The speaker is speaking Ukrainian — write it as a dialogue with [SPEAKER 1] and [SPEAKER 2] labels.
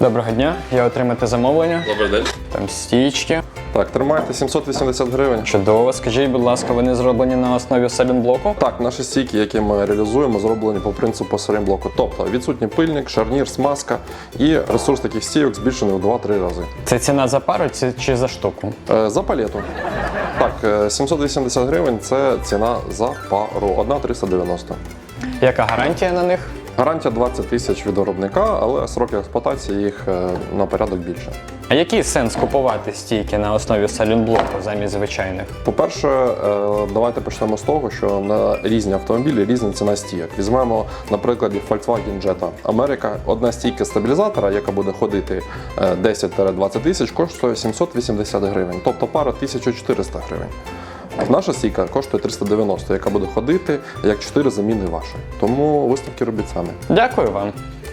[SPEAKER 1] Доброго дня, я отримати замовлення.
[SPEAKER 2] Добрий день.
[SPEAKER 1] Там стічки.
[SPEAKER 2] Так, тримайте 780 гривень.
[SPEAKER 1] Чудово. Скажіть, будь ласка, вони зроблені на основі салінблоку?
[SPEAKER 2] Так, наші стійки, які ми реалізуємо, зроблені по принципу салінблоку. Тобто відсутній пильник, шарнір, смазка і ресурс таких стійок збільшений в 2-3 рази.
[SPEAKER 1] Це ціна за пару чи за штуку?
[SPEAKER 2] За палету. Так, 780 гривень – це ціна за пару. Одна 390.
[SPEAKER 1] Яка гарантія на них?
[SPEAKER 2] Гарантія 20 тисяч від виробника, але сроки експлуатації їх на порядок більше.
[SPEAKER 1] А який сенс купувати стійки на основі салінблоку замість звичайних?
[SPEAKER 2] По-перше, давайте почнемо з того, що на різні автомобілі різна ціна стійок. Візьмемо, наприклад, Volkswagen Jetta Америка. Одна стійка стабілізатора, яка буде ходити 10-20 тисяч, коштує 780 гривень, тобто пара 1400 гривень. Наша стійка коштує 390, яка буде ходити як 4 заміни вашої. Тому висновки робіть самі.
[SPEAKER 1] Дякую вам.